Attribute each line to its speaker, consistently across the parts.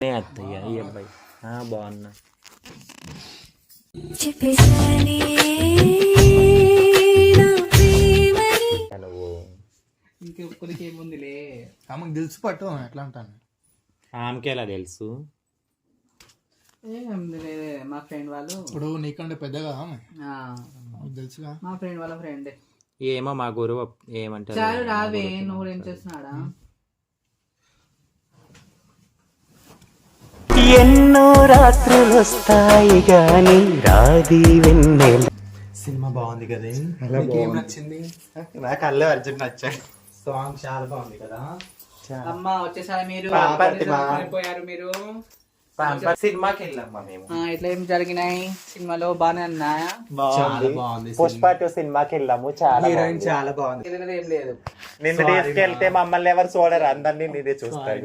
Speaker 1: అత్తయ్య ఈ అబ్బాయి బాగున్నా
Speaker 2: ఇంకొకరికి ఏముందిలే
Speaker 3: ఆమెకు తెలుసు పట్టు ఎట్లా అంటాను
Speaker 1: ఆమెకి ఎలా తెలుసు
Speaker 2: ఏముందిలే మా ఫ్రెండ్ వాళ్ళు
Speaker 3: ఇప్పుడు నీకంటే పెద్దగా తెలుసుగా
Speaker 2: మా ఫ్రెండ్ వాళ్ళ ఫ్రెండే
Speaker 1: ఏమో మా గురువు ఏమంటారు
Speaker 2: చాలు రావే నువ్వు ఏం చేస్తున్నాడా
Speaker 4: ఎన్నో రాత్రులు వస్తాయి గాని రాది వెన్నెల.
Speaker 1: సినిమా బాగుంది కదా
Speaker 3: ఏం నచ్చింది
Speaker 1: నాకు అల్లు అర్జున్ నచ్చాడు
Speaker 3: సాంగ్ చాలా బాగుంది కదా
Speaker 2: అమ్మ వచ్చేసారి మీరు పోయారు మీరు
Speaker 1: సినిమాకి వెళ్ళామ్మా మేము
Speaker 2: ఇట్లా ఏం జరిగినాయి సినిమాలో బాగానే ఉన్నాయా
Speaker 3: చాలా బాగుంది
Speaker 1: పుష్ప 2 సినిమాకి వెళ్ళాము చాలా
Speaker 3: హీరోయిన్ చాలా బాగుంది
Speaker 2: ఏదైనా ఏం లేదు
Speaker 1: నిన్ను తీసుకెళ్తే మమ్మల్ని ఎవరు చూడరు అందరినీ నీదే చూస్తాడు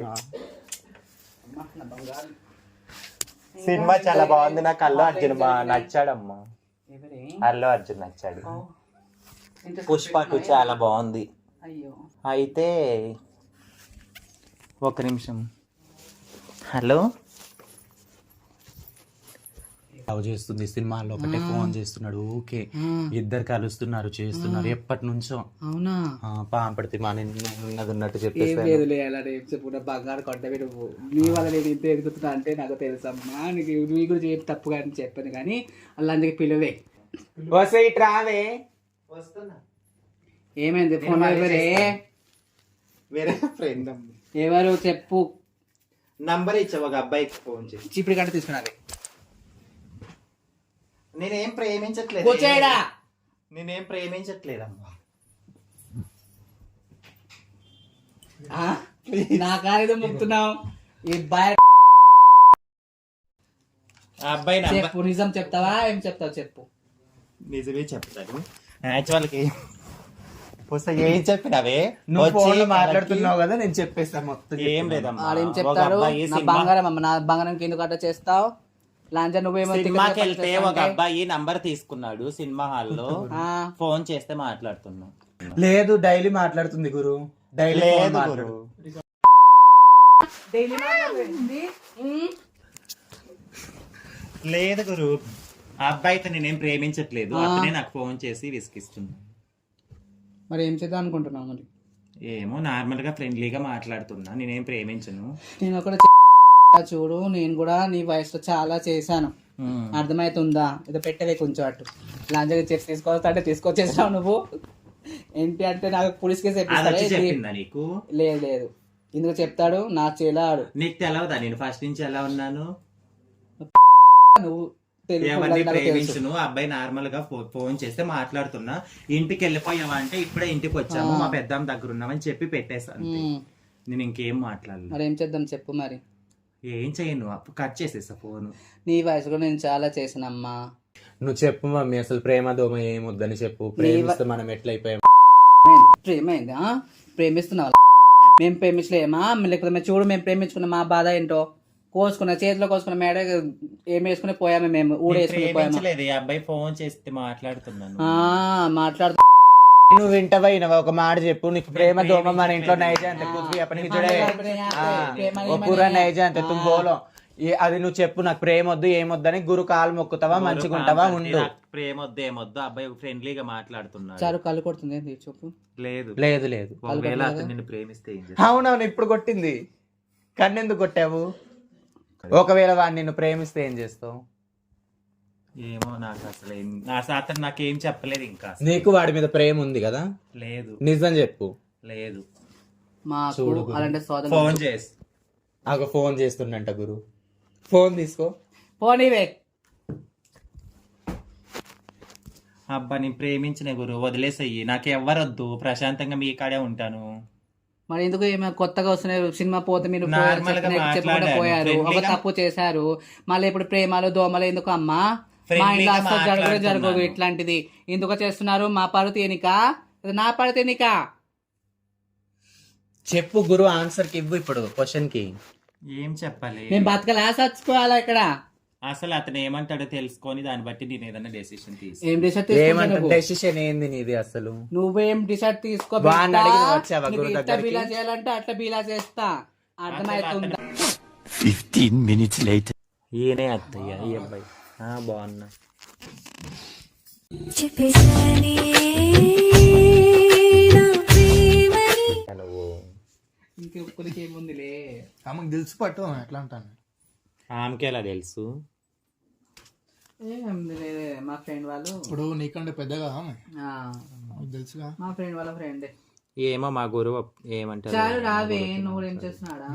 Speaker 1: సినిమా చాలా బాగుంది నాకు అల్లు అర్జున్ నచ్చాడమ్మా అల్లు అర్జున్ నచ్చాడు పుష్ప 2 చాలా బాగుంది
Speaker 2: అయ్యో
Speaker 1: అయితే ఒక నిమిషం హలో లవ్ చేస్తుంది సినిమాల్లో ఒకటే ఫోన్ చేస్తున్నాడు ఓకే ఇద్దరు కలుస్తున్నారు చేస్తున్నారు ఎప్పటి నుంచో
Speaker 2: అవునా
Speaker 1: పాంపడితే మా ఉన్నది ఉన్నట్టు
Speaker 2: ఏం
Speaker 1: చెప్పేసి
Speaker 2: లేదులే అలా రేపు చెప్పుకుంటా బంగారు కొంటవి నువ్వు నీ వల్ల నేను ఇంత ఎదుగుతున్నా అంటే నాకు తెలుసమ్మా నీకు నీ గురించి ఏం తప్పుగా అని చెప్పాను కానీ అలా అందుకే పిలువే
Speaker 1: వస్తే ఇట్రావే వస్తున్నా
Speaker 2: ఏమైంది ఫోన్ ఎవరే
Speaker 1: వేరే ఫ్రెండ్
Speaker 2: ఎవరు చెప్పు
Speaker 1: నంబర్ ఇచ్చావు ఒక అబ్బాయికి ఫోన్ చేసి
Speaker 2: చీపిడి కంటే తీసుకున్నది
Speaker 1: నేనేం ప్రేమించట్లేదు
Speaker 2: కూర్చోయడా
Speaker 1: నేనేం ప్రేమించట్లేదమ్మా
Speaker 2: నా కాలేదో ముక్తున్నావు ఈ బాయ్
Speaker 1: ఆ అబ్బాయి
Speaker 2: చెప్పు నిజం చెప్తావా ఏం చెప్తావు చెప్పు
Speaker 1: నిజమే చెప్తాను యాక్చువల్కి వస్తే ఏం చెప్పినవే
Speaker 3: నువ్వు ఫోన్ మాట్లాడుతున్నావు కదా నేను చెప్పేస్తాను మొత్తం
Speaker 1: ఏం లేదమ్మా
Speaker 2: వాడు ఏం చెప్తాడు నా బంగారం అమ్మ నా బంగారం ఎందుకు అట్లా చేస్తావు లాంఛ నువ్వేమో
Speaker 1: సినిమాకి వెళ్తే ఒక అబ్బాయి నంబర్ తీసుకున్నాడు సినిమా హాల్లో ఫోన్ చేస్తే మాట్లాడుతున్నాం
Speaker 3: లేదు డైలీ మాట్లాడుతుంది గురు డైలీ
Speaker 1: లేదు గురు లేదు గురు ఆ అబ్బాయితో నేనేం ప్రేమించట్లేదు అతనే నాకు ఫోన్ చేసి విసిగిస్తున్నా
Speaker 2: మరి ఏం చేద్దాం అనుకుంటున్నావు మరి
Speaker 1: ఏమో నార్మల్ గా ఫ్రెండ్లీగా మాట్లాడుతున్నా నేనేం ప్రేమించను
Speaker 2: నేను కూడా చూడు నేను కూడా నీ వయసులో చాలా చేశాను అర్థమవుతుందా ఇది పెట్టవే కొంచెం అటు లాంజగా చెప్పి తీసుకొస్తా అంటే తీసుకొచ్చేసావు నువ్వు ఏంటి అంటే నాకు పోలీస్ కేసు
Speaker 1: చెప్పిందా నీకు
Speaker 2: లేదు లేదు ఇందుకు చెప్తాడు నా చేలాడు
Speaker 1: నీకు తెలవదా నేను ఫస్ట్ నుంచి ఎలా ఉన్నాను
Speaker 2: నువ్వు
Speaker 1: ఎవరిని ప్రేమించును అబ్బాయి నార్మల్ గా ఫోన్ చేస్తే మాట్లాడుతున్నా ఇంటికి వెళ్ళిపోయావా అంటే ఇప్పుడే ఇంటికి వచ్చాము మా పెద్దమ్మ దగ్గర ఉన్నామని చెప్పి పెట్టేసాను నేను ఇంకేం మాట్లాడలేదు
Speaker 2: మరి ఏం చేద్దాం చెప్పు మరి
Speaker 1: ఏం చేయను కట్ చేసేసా ఫోన్
Speaker 2: నీ వయసులో నేను చాలా చేసానమ్మా
Speaker 3: నువ్వు చెప్పు మమ్మీ అసలు ప్రేమ దోమ ఏమొద్దని చెప్పు ప్రేమిస్తే మనం ఎట్లయిపోయాం
Speaker 2: ప్రేమైందా ప్రేమిస్తున్నావా మేము ప్రేమించలేమా లేకపోతే మేము చూడు మేము ప్రేమించుకున్న మా బాధ ఏంటో కోసుకున్న చేతిలో కోసుకున్న మేడ ఏం వేసుకుని పోయాము మేము ఊడేసుకుని పోయాము
Speaker 1: అబ్బాయి ఫోన్ చేస్తే మాట్లాడుతున్నాను
Speaker 2: మాట్లాడుతూ
Speaker 3: నువ్వు వింటవా ఒక మాట చెప్పు నీకు ప్రేమ దోమ మన ఇంట్లో నైజా అంతే పూరా నైజా అంతే తుమ్ బోలో అది నువ్వు చెప్పు నాకు ప్రేమ వద్దు ఏమొద్దని గురు కాలు మొక్కుతావా మంచిగా ఉంటావా ఉండు
Speaker 1: ప్రేమ వద్దు ఏమొద్దు అబ్బాయి ఫ్రెండ్లీగా మాట్లాడుతున్నాడు
Speaker 2: చాలు కళ్ళు కొడుతుంది చెప్పు
Speaker 1: లేదు
Speaker 3: లేదు లేదు
Speaker 1: ఒకవేళ అతను నిన్ను ప్రేమిస్తే
Speaker 3: అవునవును ఇప్పుడు కొట్టింది కన్నెందుకు కొట్టావు ఒకవేళ వాడిని నిన్ను ప్రేమిస్తే ఏం చేస్తావు
Speaker 1: ఏమో నాకు అతను నాకేం చెప్పలేదు ఇంకా
Speaker 3: నీకు వాడి మీద ప్రేమ ఉంది కదా
Speaker 1: లేదు
Speaker 3: నిజం చెప్పు
Speaker 1: లేదు
Speaker 2: చూడు అలాంటి
Speaker 1: ఫోన్ చేసి
Speaker 3: ఫోన్ చేస్తుండంట గురు ఫోన్ తీసుకో
Speaker 2: పోనీవే
Speaker 1: అబ్బా నేను ప్రేమించిన గురు వదిలేసయ్యి నాకు ఎవరొద్దు ప్రశాంతంగా మీ కాడే ఉంటాను
Speaker 2: మరి ఎందుకు ఏమైనా కొత్తగా వస్తున్నాయి సినిమా పోతే మీరు
Speaker 1: Normal గా
Speaker 2: చెప్పకుండా పోయారు ఒక తప్పు చేశారు మళ్ళీ ఇప్పుడు ప్రేమలు దోమలు ఎందుకు అమ్మా మా ఇంట్లో అసలు జరగదు ఇట్లాంటిది ఎందుకు చేస్తున్నారు మా పరువు తేనిక నా పరువు తేనిక
Speaker 3: చెప్పు గురు ఆన్సర్ కి ఇవ్వు ఇప్పుడు క్వశ్చన్ కి
Speaker 1: ఏం చెప్పాలి
Speaker 2: నేను బతకలా చచ్చిపోవాలా ఇక్కడ
Speaker 1: అసలు అతను ఏమంటాడో తెలుసుకొని దాన్ని బట్టి నేను ఏదైనా డెసిషన్
Speaker 2: ఏం డిసైడ్
Speaker 3: డెసిషన్ ఏంది నీది అసలు
Speaker 2: నువ్వేం డిసైడ్ తీసుకో
Speaker 3: వాడిని అడిగి వచ్చావా గురు
Speaker 2: ఇట్లా బీలా చేయాలంటే అట్లా బీలా చేస్తా అర్థమవుతుందా
Speaker 4: 15 minutes later.
Speaker 1: ఈయనే అత్తయ్య ఈ అబ్బాయి. బాగున్నా. నువ్వు
Speaker 2: ఇంకొకరికి ఏముందిలే.
Speaker 3: ఆమెకు తెలుసు పట్టు ఎట్లా అంటాను.
Speaker 1: ఆమెకి ఎలా తెలుసు?
Speaker 2: ఏముందిలే, మా ఫ్రెండ్ వాళ్ళు.
Speaker 3: ఇప్పుడు నీకంటే పెద్దగా
Speaker 2: ఆ,
Speaker 3: తెలుసుగా.
Speaker 2: మా ఫ్రెండ్ వాళ్ళ ఫ్రెండే.
Speaker 1: ఏమో మా గురువు ఏమంటారు.
Speaker 2: చాలు రావే, నువ్వు కూడా ఏం చేస్తున్నాడా?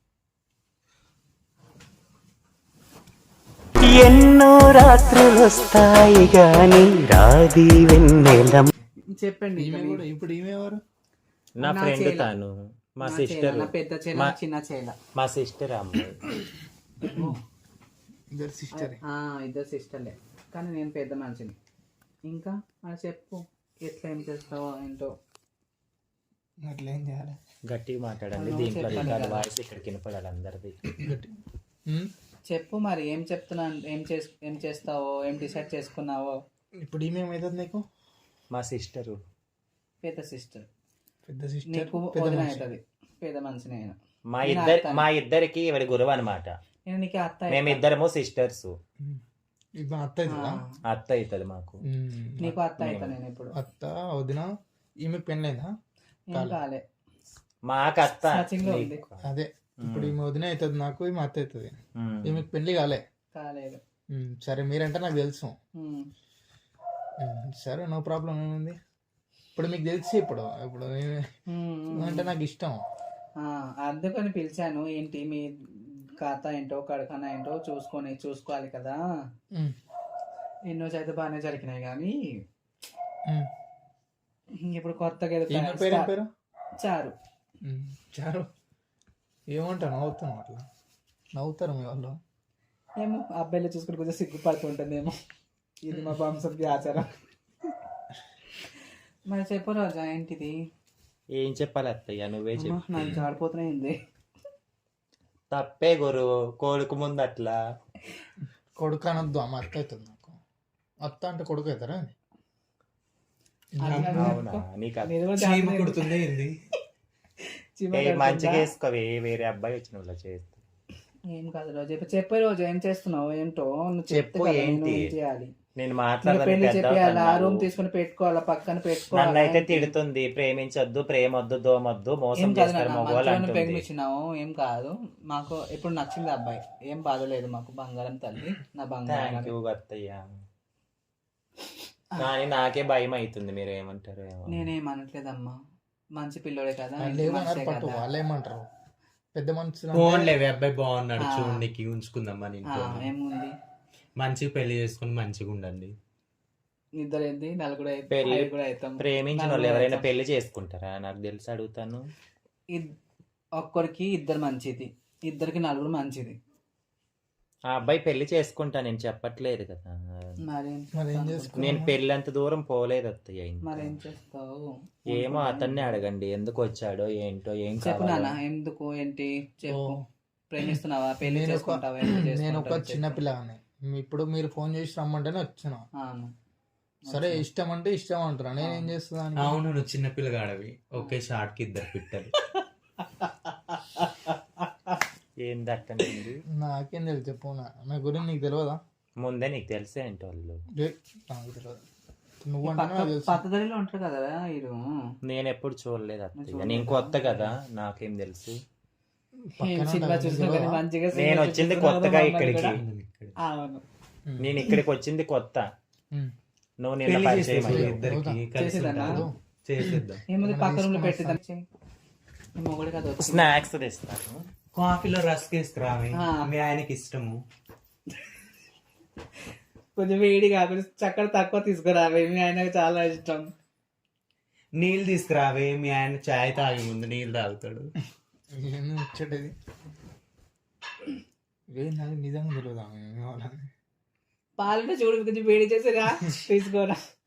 Speaker 4: ఎన్నో రాత్రులొస్తాయి గాని రాది వెన్నెల.
Speaker 2: చెప్పండి.
Speaker 3: ఇప్పుడు ఈమె ఎవరు?
Speaker 1: నా ఫ్రెండ్ తాను, మా సిస్టర్.
Speaker 2: నా పెద్ద చేల, చిన్న చేల.
Speaker 1: మా సిస్టర్ అమ్మాయి.
Speaker 3: ఇద్దరు సిస్టర్.
Speaker 2: ఇద్దరు సిస్టర్లే, కానీ నేను పెద్ద మనిషిని. ఇంకా అది చెప్పు, ఎట్లా ఏం చేస్తావో ఏంటో.
Speaker 3: అట్లా ఏం చేయాలి?
Speaker 1: గట్టిగా మాట్లాడండి, దీంట్లో రికార్డ్ వాయిస్ ఇక్కడికి వినపడాలి అందరిది.
Speaker 2: చెప్పు మరి, ఏం చెప్తున్నాను, ఏం చేస్తావో, ఏం డిసైడ్ చేసుకున్నావో.
Speaker 3: ఇప్పుడు ఈమె ఏమవుతుంది నీకు?
Speaker 1: మా సిస్టరు.
Speaker 2: పెద్ద సిస్టర్.
Speaker 3: పెద్ద సిస్టర్
Speaker 2: నీకు వదిన అవుతుంది, పెద్ద మనిషిని అయినా.
Speaker 1: మా ఇద్దరికి ఎవరి గురువు అనమాట.
Speaker 2: నేను నీకు అత్త.
Speaker 1: మేమిద్దరము సిస్టర్స్.
Speaker 3: ఇప్పుడు అత్త అవుతుందా?
Speaker 1: అత్త అవుతుంది మాకు.
Speaker 2: నీకు అత్త అవుతా నేను ఇప్పుడు.
Speaker 3: అత్త వదిన. ఈమె పెళ్ళైందా?
Speaker 2: ఏం కాలే,
Speaker 1: మాకు అత్త.
Speaker 3: అదే ఇప్పుడు ఈమె వదిన అవుతుంది నాకు, ఈమె అత్త అవుతుంది. ఈమెకు పెళ్లి కాలే?
Speaker 2: కాలేదు.
Speaker 3: సరే, మీరంటే నాకు తెలుసు. సరే, నో ప్రాబ్లం. ఏముంది ఇప్పుడు మీకు తెలిసి. ఇప్పుడు ఇప్పుడు అంటే నాకు ఇష్టం,
Speaker 2: అందుకని పిలిచాను. ఏంటి మీ ఖాతా ఏంటో, కడకన్నా ఏంటో చూసుకోవాలి కదా. ఎన్నో చేత బాగానే జరిగినాయి కానీ ఇప్పుడు కొత్తగా
Speaker 3: పేరు
Speaker 2: చారు.
Speaker 3: చారు ఏమంటారు? నవ్వుతున్నావు అట్లా? నవ్వుతారు మీ వాళ్ళు?
Speaker 2: ఏమో, అబ్బాయిలు చూసుకుని కొంచెం సిగ్గుపడుతుంటుందేమో. ఇది మా వంశంకి ఆచారం. మరి చెప్పు రోజా, ఏంటిది?
Speaker 1: ఏం చెప్పాలి అత్తయ్య, నువ్వే చెప్పు.
Speaker 2: నాకు జాడిపోతున్నాయింది.
Speaker 1: తప్పే గురువు, కొడుకు ముందు అట్లా.
Speaker 3: కొడుకు అనొద్దు, అమ్మ అత్త అవుతుంది నాకు. అత్త అంటే కొడుకు అవుతారా?
Speaker 1: కుడుతుంది మంచిగా వేసుకోవే, వేరే అబ్బాయి వచ్చిన వాళ్ళ చేస్తా.
Speaker 2: ఏం కాదు రోజు, చెప్పే రోజు ఏం చేస్తున్నావు ఏంటో నువ్వు
Speaker 1: చెప్పు. ఏంటి
Speaker 2: చేయాలి?
Speaker 1: నేను
Speaker 2: పెళ్లి చెప్పాలి, ఆ రూమ్ తీసుకుని పెట్టుకోవాలా, పక్కన పెట్టుకోవాలి.
Speaker 1: నన్ను అయితే తిడుతుంది, ప్రేమించొద్దు, ప్రేమొద్దు, దోమొద్దు, మోసం చేస్తారు మొగోళ్ళు అంటుంది.
Speaker 2: ప్రేమించినావు, ఏం కాదు. మాకు ఇప్పుడు నచ్చింది అబ్బాయి, ఏం బాధ లేదు మాకు. బంగారం తల్లి, నా బంగారం.
Speaker 1: థ్యాంక్ యూ అత్తయ్య. కానీ నాకే భయం అవుతుంది, మీరు ఏమంటారు?
Speaker 2: నేనేమనట్లేదమ్మా, మంచి పిల్లోడే కదా.
Speaker 3: వాళ్ళు ఏమంటారు? పెద్ద మనుషులు.
Speaker 5: ఫోన్లేవే, అబ్బాయి బాగున్నాడు చూడండికి, ఉంచుకుందామా.
Speaker 2: ఏముంది,
Speaker 5: మంచిగా పెళ్లి చేసుకుని మంచిగా ఉండండి.
Speaker 2: ఇద్దరు ఏంది, నలుగురు అవుతాం.
Speaker 1: ప్రేమించిన వాళ్ళు ఎవరైనా పెళ్లి చేసుకుంటారా? నాకు తెలిసి అడుగుతాను.
Speaker 2: ఒక్కరికి ఇద్దరు మంచిది, ఇద్దరికి నలుగురు మంచిది.
Speaker 1: ఆ అబ్బాయి పెళ్లి చేసుకుంటా నేను చెప్పట్లేదు కదా. నేను పెళ్లి అంత దూరం పోలేదు అత్తయ్య.
Speaker 2: మరేం చేస్తావు?
Speaker 1: ఏమో అతన్ని అడగండి, ఎందుకు వచ్చాడో ఏంటో. ఏం
Speaker 2: చెప్పు నాన్న, ఎందుకు ఏంటి చెప్పు. ప్రేమిస్తున్నావా, పెళ్లి చేసుకుంటావా?
Speaker 3: నేను ఒక చిన్న పిల్లగానే, ఇప్పుడు మీరు ఫోన్ చేసి రమ్మంటేనే వచ్చిన. సరే, ఇష్టం అంటే ఇష్టం అంటారా, నేనేం చేస్తున్నాను?
Speaker 5: అవును, నువ్వు చిన్న పిల్లగాడవి. ఒకే షార్ట్ కి ఇద్దరు పిట్టలు.
Speaker 1: ఏం దట్టండి,
Speaker 3: నాకేం తెలుసు చెప్పు. నా గురించి నీకు తెలియదా?
Speaker 1: ముందే నీకు తెలిసే ఏంటి వాళ్ళు.
Speaker 3: నాకు తెలియదు. నువ్వు
Speaker 2: పక్కదడిలో ఉంటారు కదా వీరు.
Speaker 1: నేను ఎప్పుడు చూడలేదు అత్తయ్య, నేను కొత్త కదా, నాకేం తెలుసు. నేను వచ్చింది కొత్తగా ఇక్కడికి. నేను ఇక్కడికి వచ్చింది కొత్త. నువ్వు నిన్న పరిచయం స్నాక్స్ తెస్తాను.
Speaker 5: కాఫీలో రస్క్ వేసుకురావి, మీ ఆయనకి ఇష్టము.
Speaker 2: కొంచెం వేడి కాకుండా చక్కెర తక్కువ తీసుకురావే, మీ ఆయనకు చాలా ఇష్టం.
Speaker 5: నీళ్ళు తీసుకురావే, మీ ఆయన చాయ్ తాగి ముందు నీళ్ళు తాగుతాడు.
Speaker 3: ముచ్చటది నిజంగా తెలియదా?
Speaker 2: పాలంటే చూడు, కొంచెం వేడి చేసేరా తీసుకోరా.